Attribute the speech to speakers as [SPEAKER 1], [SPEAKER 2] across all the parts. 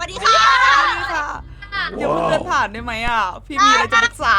[SPEAKER 1] วัสดีค่ะ
[SPEAKER 2] ค่ะเดี๋ยวเพื่อนผ่านได้ไหมอ่ะพี่มีอะไรจะปรึกษา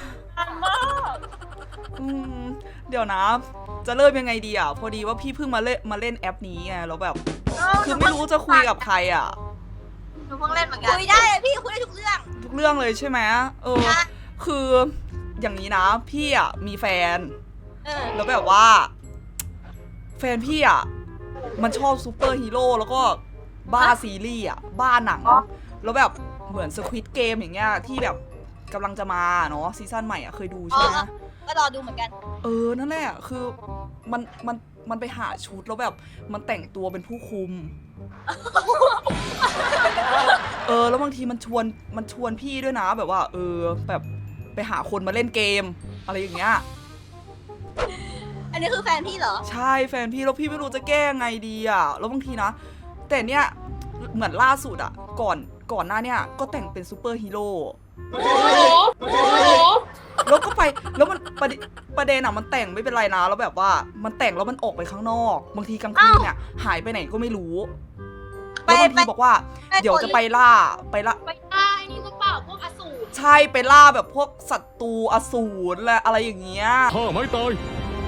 [SPEAKER 2] อืมเดี๋ยวนะ จะเริ่มยังไงดีอ่ะพอดีว่าพี่เพิ่งมาเล่นแอปนี้ไงแล้วแบบ คือไม่รู้จะคุยกับใครอ่ะ
[SPEAKER 3] หนูเพิ่งเล่นเหมือนกัน
[SPEAKER 1] คุยได้เลยพี่คุยได้ทุกเรื่อง
[SPEAKER 2] ทุกเรื่องเลยใช่ไหมคืออย่างนี้นะพี่อ่ะมีแฟนแล้วแบบว่า แฟนพี่อ่ะมันชอบซูเปอร์ฮีโร่แล้วก็บ้าซีรีส์อ่ะบ้าหนังแล้วแบบเหมือนสควิดเกมอย่างเงี้ยที่แบบกำลังจะมาเนาะซีซั่นใหม่อ่ะเคยดูใช่ไหม
[SPEAKER 1] ก็รอดูเหมือนกัน
[SPEAKER 2] นั่นแหละคือมันไปหาชุดแล้วแบบมันแต่งตัวเป็นผู้คุม แล้วบางทีมันชวนพี่ด้วยนะแบบว่าแบบไปหาคนมาเล่นเกมอะไรอย่างเงี้ย
[SPEAKER 1] อันนี้คือแฟนพี่เหรอ
[SPEAKER 2] ใช่แฟนพี่แล้วพี่ไม่รู้จะแก้ไงดีอ่ะแล้วบางทีนะแต่เนี้ยเหมือนล่าสุดอ่ะก่อนหน้าเนี้ยก็แต่งเป็นซูเปอร์ฮีโร่แล้วก็ไปแล้วมันประเด็นอ่ะมันแต่งไม่เป็นไรนะแล้วแบบว่ามันแต่งแล้วมันออกไปข้างนอกบางทีกลางคืนเนี่ยหายไปไหนก็ไม่รู้แล้วบางทีบอกว่าเดี๋ยวจะไปล่า
[SPEAKER 3] ไปล่าไอ้นี่ก็เปล่าพวกอสูร
[SPEAKER 2] ใช่ไปล่าแบบพวกศัตรูอสูรอะไรอย่างเงี้ย
[SPEAKER 4] ข้าไม่ตาย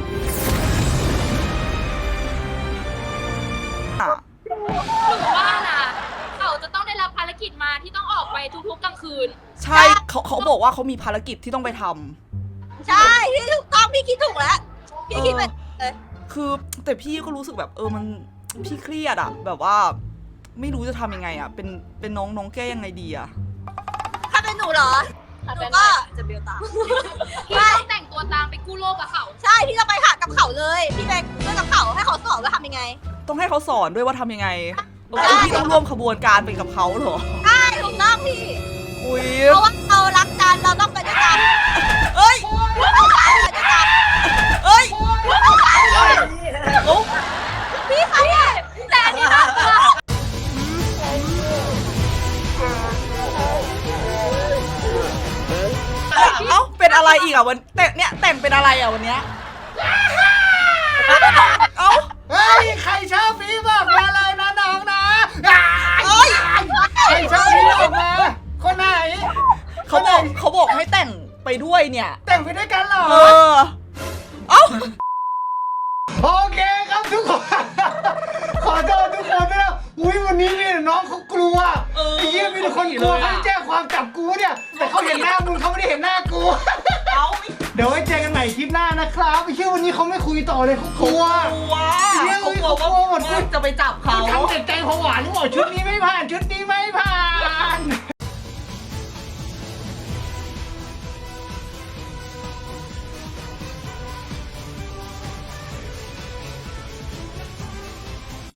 [SPEAKER 3] หรือว่านะเขาจะต้องได้รับภารกิจมาที่ต้องออกไปทุกๆกลางคืน
[SPEAKER 2] ใช่เขาบอกว่าเขามีภารกิจที่ต้องไปทำ
[SPEAKER 1] ใช่พี่ถูกต้องพี่คิดถูกแล้วพี่คิดเป็น
[SPEAKER 2] คือแต่พี่ก็รู้สึกแบบมันพี่เครียดอะแบบว่าไม่รู้จะทำยังไงอะเป็นน้องแก้ยังไงดีอะ
[SPEAKER 1] ถ้าเป็นหนูเหรอหนูก็จะเบลตาม
[SPEAKER 3] พี่ต้องแต่งตัวตามไปกู้โลกกับเขา
[SPEAKER 1] ใช่พี่จะไปหากับเขาเลยพี่ไปเล่นกับเขาให้เขาสอนว่าทำยังไง
[SPEAKER 2] ต้องให้เขาสอนด้วยว่าทำยังไงพี่ต้องร่วมขบวนการไปกับเขาเหรอ
[SPEAKER 1] ใช่ถูกต้องพี่
[SPEAKER 2] อุ้ย
[SPEAKER 1] เพราะว่าเรารักกันเราต้องไปด้วยกันเอ้ยพี่คะเนี่ยแต่อันนี้นะ
[SPEAKER 2] เป็นอะไรอีกอ่ะวันแต่งเป็นอะไรอ่ะวันเนี้ย
[SPEAKER 5] เฮ้ยใครชอบพี่บอกมาเลยนะน้องนะใครชอบพี่บอกมาคนไหน
[SPEAKER 2] เขาบอกให้แต่งไปด้วยเนี่ย
[SPEAKER 5] แต่งไปด้วยกันเหรอโอเคครับทุกคนขอโทษทุกคนด้วยนะอุ้ยวันนี้เนี่ยน้องเขากลัวไอ้เหี้ยมีแต่คนกลัวเขาแจ้งความจับกูเนี่ยแต่เขาเห็นหน้ามึงเขาไม่ได้เห็นหน้ากูเดี๋ยวไว้เจอกันใหม่คลิปหน้านะครับไอ้เชื่อวันนี้เขาไม่คุยต่อเลยเขากลัว
[SPEAKER 2] เขากลัวว่าจะไปจับเขา
[SPEAKER 5] ทำแต่ใจผวาหรือเปล่าชุดนี้ไม่ผ่านชุดนี้